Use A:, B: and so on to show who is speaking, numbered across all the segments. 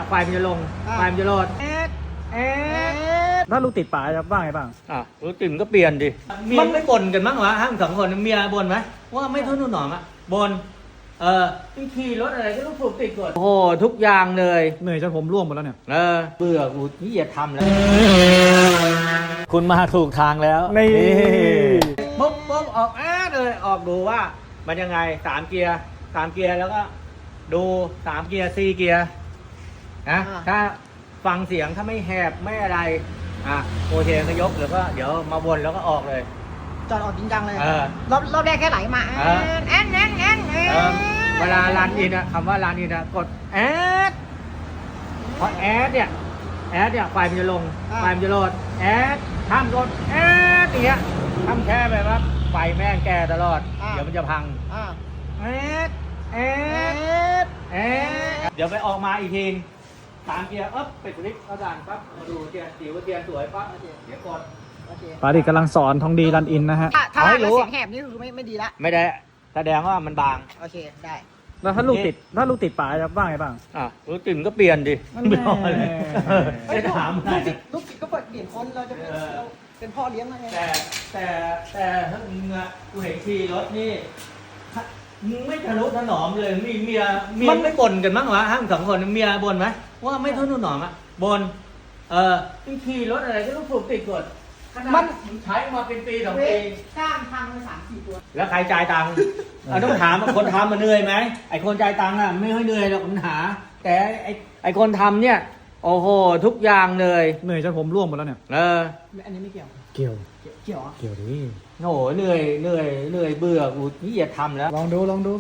A: เนี่ยไฟมันจะลงไฟมันจะโหลด
B: ถ้าลูกติดป๋าจะว่าไงบ้าง
A: รถติ่มก็เปลี่ยนดิมันไม่บ่นกันมั้งวะห้ามสองคนเมียบ่นไหมว่าไม่ทุ่นหนอมอ่ะบ่นขี่รถอะไรก็ต้องผูกติดก่อนโอ้โหทุกอย่างเลย
B: เหนื่อยจนผมร่วงหมดแล้วเนี่ย
A: เบื่อกูนี่อย่าทำแล้วคุณมาถูกทางแล้ว
B: นี่
A: ปุ๊บออกเลยออกดูว่ามันยังไง3 เกียร์แล้วก็ดู3 เกียร์4 เกียร์นะถ้าฟังเสียงถ้าไม่แหบไม่อะไรโอเคก็ยกหรือก็เดี๋ยวมาวนแล้วก็ออกเลย
C: จอดออกจริงจังเลยรอบแรกแค่ไหลมา
A: เวลารันอินคำว่ารันอินกดพอเนี่ยไฟมันจะลงไฟมันจะโหลดห้ามกดอย่างเงี้ยห้ามแค่แบบว่าไฟแม่งแก่ตลอดเดี๋ยวมันจะพังเดี๋ยวไปออกมาอีกที3 เกียร์ไปคลิกเขาดันปั๊บมาดูเทียนสวยปั๊บเดี๋ยวกด
B: ป๋าดิกำลังสอนทองดีรันอินนะฮะ
C: ถ้าเสียงแหบนี่คือไม่ดีละ
A: ไม่ได้แสดงว่ามันบาง
C: โอเคได้
B: แล้วถ้าลูกติดป๋าจะว่าไงบ้าง
A: ลูกติ่มก็เปลี่ยนดิไม่รอเลยไม่ถาม
C: ลูกติดก็เปลี่ยนคนเราจะเป็นพ่อเลี้ยงอะไร
A: แต่ถ้ามึงกูเห็นขี่รถนี่มึงไม่ทะนุถนอมเลยมีเมียไม่บ่นกันมั้งวะห้ามสองคนเมียบ่นไหมว่าไม่ทะนุถนอมบ่นขี่รถอะไรก็ต้องผูกติดก่อนมันใช้มาเป็นปี2 ปี
C: จ้างทางมา3-4 ตัว
A: แล้วใครจ่ายตังค์ต้องถามคนทำมันเหนื่อยไหมไอคนจ่ายตังค์ไม่ค่อยเหนื่อยหรอกปัญหาแต่ไอคนทำเนี่ยโอ้โหทุกอย่างเลย
B: เหนื่อยจนผมร่วงหมดแล้วเนี่ย
C: อันนี้ไม่เกี่ยว
B: เกี่ยว
A: ดิโอ้โหเหนื่อยเบื่อกูนี่อย่าทำแล้ว
B: ลองดู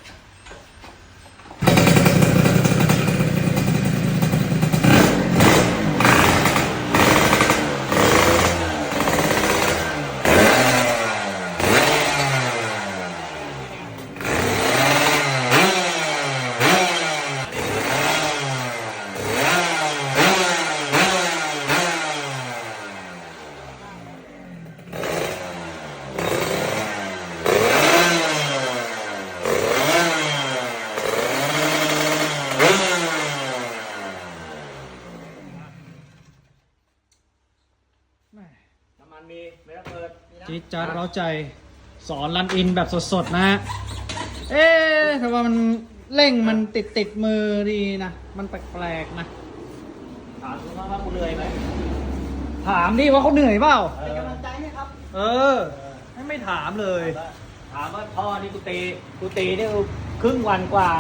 A: น้ำมันมีไม่ต้องเปิด
B: จี๊ดจ๊าดเร้าใจสอนรันอินแบบสดๆนะฮะแต่ว่ามันเร่งมันติดมือดีนะมันแปลกๆนะ
A: ถามคุณว่ากูเหนื่อยไหม
B: ถามดิว่าเขาเหนื่อยเปล่า
C: เป็นกำลังใจไหมครับ
B: ไม่ถามเลย
A: ถามว่าพ่อนี่กูตีนี่ครึ่งวันกว่า